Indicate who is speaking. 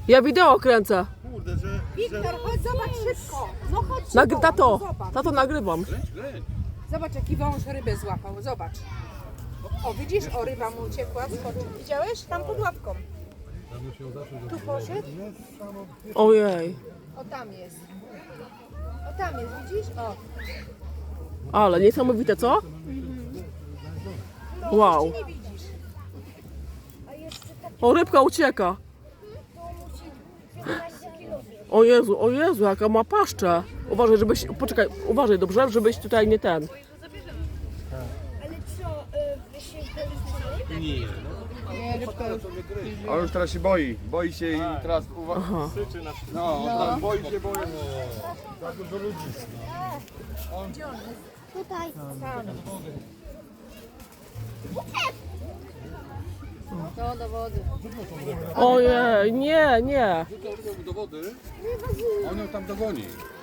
Speaker 1: Ja wideo kręcę.
Speaker 2: Kurde, że...
Speaker 3: Wiktor, chodź, zobacz szybko. No chodź szybko.
Speaker 1: Tato,
Speaker 3: Zobacz.
Speaker 1: tato nagrywam.
Speaker 3: Zobacz, jaki wąż rybę złapał. Zobacz. O, widzisz? O, ryba mu uciekła. Skoczył. Widziałeś? Tam pod łapką. Tu poszedł.
Speaker 1: Ojej.
Speaker 3: O, tam jest. O, tam jest, widzisz? O.
Speaker 1: Ale niesamowite, co? Wow.
Speaker 3: Nie widzisz.
Speaker 1: O, rybka ucieka. O Jezu, jaka ma paszczę. Uważaj, żebyś, poczekaj, uważaj dobrze, żebyś tutaj nie ten.
Speaker 4: Ale co, wy się zgadzamy?
Speaker 2: Nie.
Speaker 3: Nie, rybka już.
Speaker 2: Ale już teraz się boi. Boi się i teraz uwaga.
Speaker 1: Aha.
Speaker 2: No, teraz boi się, boi.
Speaker 4: Tutaj.
Speaker 3: No, do wody.
Speaker 1: Ojej, nie.
Speaker 2: Do wody. On ją tam dogoni.